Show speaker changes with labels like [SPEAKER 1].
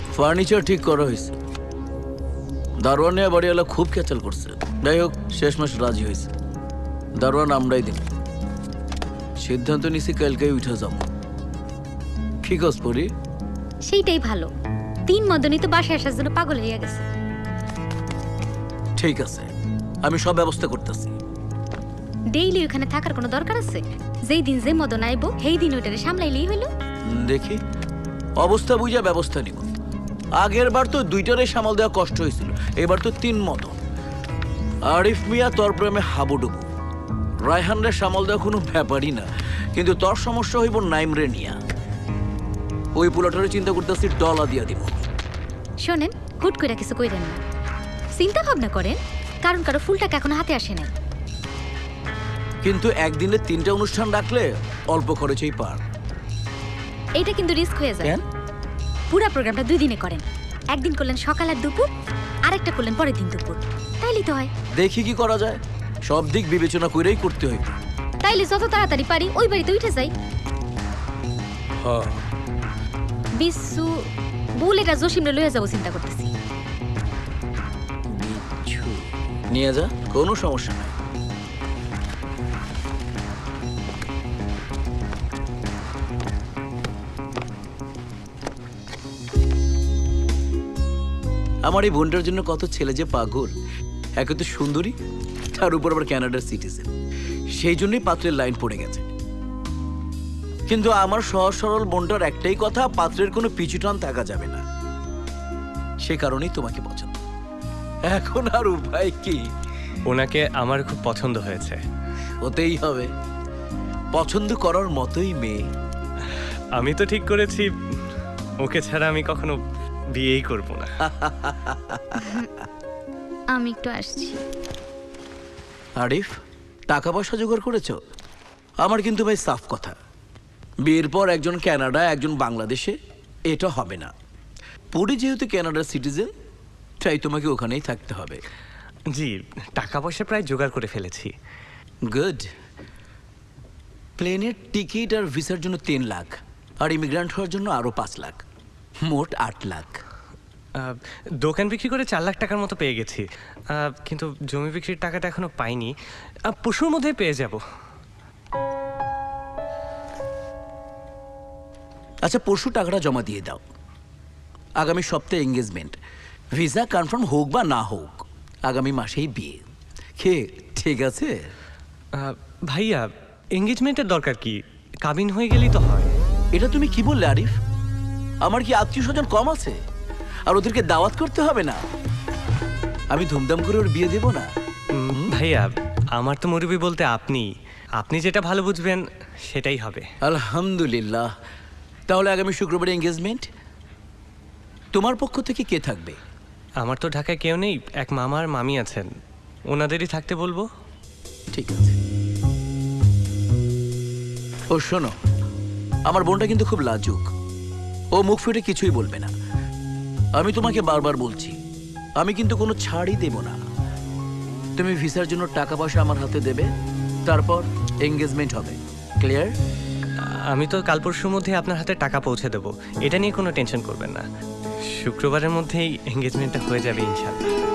[SPEAKER 1] Furniture ঠিক করা হয়েছে। দারোয়ান নিয়ে বাড়িওয়ালা খুব ক্যাচাল করছে। যাই হোক, শেষমেশ রাজি হয়েছে। দারোয়ান আমরাই দিব। সিদ্ধান্ত নিছি কালকেই উঠে যাব। কি কাজ করি?
[SPEAKER 2] সেইটাই ভালো। 3 মদনই তো বাসায় আসার জন্য পাগল হইয়া গেছে।
[SPEAKER 1] ঠিক আছে, আমি সব ব্যবস্থা করতেছি।
[SPEAKER 2] ডেইলি ওখানে থাকার কোনো দরকার আছে? যেই দিন যে মদন আইবো সেই দিন ওইটারে সামলাইলেই হইলো।
[SPEAKER 1] দেখি, অবস্থা বুঝা ব্যবস্থা নিব। আগের বার তো 2টারে সামাল দেওয়া কষ্ট হয়েছিল, এবার তো 3 মদন। আরিফ মিয়া তোর প্রেমে হাবুডুবু। রায়হানরে সামাল দেওয়া কোনো ব্যাপারই না, কিন্তু তোর সমস্যা হইব নাইমরে নিয়া। ওই পোলাটারে চিন্তা করতেছি ডলা দিয়া দিব।
[SPEAKER 2] শোনেন, হুট করে কিছু কইরেন না, চিন্তা ভাবনা করেন, কারণ কারো ফুল টাকা এখনো হাতে আসে নাই।
[SPEAKER 1] কিন্তু একদিনে 3টা অনুষ্ঠান রাখলে অল্প খরচেই পার।
[SPEAKER 2] এইটা কিন্তু রিস্ক হয়ে যায়।
[SPEAKER 1] কেন?
[SPEAKER 2] পুরো প্রোগ্রামটা 2 দিনে করেন। একদিন করলেন সকাল আর দুপুর, আরেকটা করলেন পরের দিন দুপুর। তাইলেই তো হয়।
[SPEAKER 1] দেখি কি করা যায়, সব দিক বিবেচনা করেই করতে হইব।
[SPEAKER 2] তাইলে যত তাড়াতাড়ি পারি ওই বাড়িতে উঠে যাই।
[SPEAKER 1] হ্যাঁ,
[SPEAKER 2] বিশু বুলেটা জসিমরে লইয়া যাবো চিন্তা করতেছি।
[SPEAKER 1] বিচ্ছু নিয়ে যা, কোনো সমস্যা নাই। আমার এই বোনটার জন্য কত ছেলে যে পাগল। একে তো সুন্দরী, তার উপর আবার কানাডার সিটিজেন। সেই জন্যই পাত্রের লাইন পড়ে গেছে। কিন্তু আমার সহজ সরল বোনটার একটাই কথা, পাত্রের কোনো পিছু টান থাকা যাবে না। সে কারণেই তোমাকে পছন্দ। এখন আর উপায় কি?
[SPEAKER 3] ওনাকে আমার খুব পছন্দ হয়েছে।
[SPEAKER 1] হতেই হবে, পছন্দ করার মতোই মেয়ে।
[SPEAKER 3] আমি তো ঠিক করেছি ওকে ছাড়া আমি কখনো বিয়েই করব না।
[SPEAKER 2] আমি একটু আসছি।
[SPEAKER 1] আরিফ, টাকা পয়সা জোগাড় করেছো? আমার কিন্তু ভাই সাফ কথা, বিয়ের পর একজন কানাডা একজন বাংলাদেশে, এটা হবে না। পুরি যেহেতু কানাডার সিটিজেন, তাই তোমাকে ওখানেই থাকতে হবে।
[SPEAKER 3] জি, টাকা পয়সা প্রায় জোগাড় করে ফেলেছি।
[SPEAKER 1] গুড। প্লেনের টিকিট আর ভিসার জন্য 3 লাখ, আর ইমিগ্রান্ট হওয়ার জন্য আরো 5 লাখ, মোট 8 লাখ।
[SPEAKER 3] দোকান বিক্রি করে 4 লাখ টাকার মতো পেয়ে গেছি, কিন্তু জমি বিক্রির টাকাটা এখনো পাইনি। পরশুর মধ্যেই পেয়ে যাব।
[SPEAKER 1] আচ্ছা, পরশু টাকাটা জমা দিয়ে দাও। আগামী সপ্তাহে এঙ্গেজমেন্ট, ভিসা কনফার্ম হোক বা না হোক আগামী মাসেই বিয়ে। কে ঠিক আছে?
[SPEAKER 3] ভাইয়া, এঙ্গেজমেন্টের দরকার কি? কাবিন হয়ে গেলেই তো হয়।
[SPEAKER 1] এটা তুমি কি বললে আরিফ? আমার কি আত্মীয় স্বজন কম আছে? আর ওদেরকে দাওয়াত করতে হবে না? আমি ধুমধাম করে ওর বিয়ে দেব না?
[SPEAKER 3] ভাইয়া, আমার তো মুরব্বি বলতে আপনি আপনি যেটা ভালো বুঝবেন সেটাই হবে।
[SPEAKER 1] আলহামদুলিল্লাহ। তাহলে আগামী শুক্রবারে এঙ্গেজমেন্ট। তোমার পক্ষ থেকে কে থাকবে?
[SPEAKER 3] আমার তো ঢাকায় কেউ নেই, এক মামা আর মামি আছেন, ওনাদেরই থাকতে বলবো।
[SPEAKER 1] ঠিক আছে। ও শোনো, আমার বোনটা কিন্তু খুব লাজুক। ও মুখ ফুটে কিছুই বলবে না। আমি তোমাকে বারবার বলছি, আমি কিন্তু কোনো ছাড়ই দেব না। তুমি ভিসার জন্য টাকা পয়সা আমার হাতে দেবে, তারপর এঙ্গেজমেন্ট হবে। ক্লিয়ার?
[SPEAKER 3] আমি তো কাল পরশুর মধ্যে আপনার হাতে টাকা পৌঁছে দেবো, এটা নিয়ে কোনো টেনশন করবেন না। শুক্রবারের মধ্যেই এঙ্গেজমেন্টটা হয়ে যাবে ইনশাল্লাহ।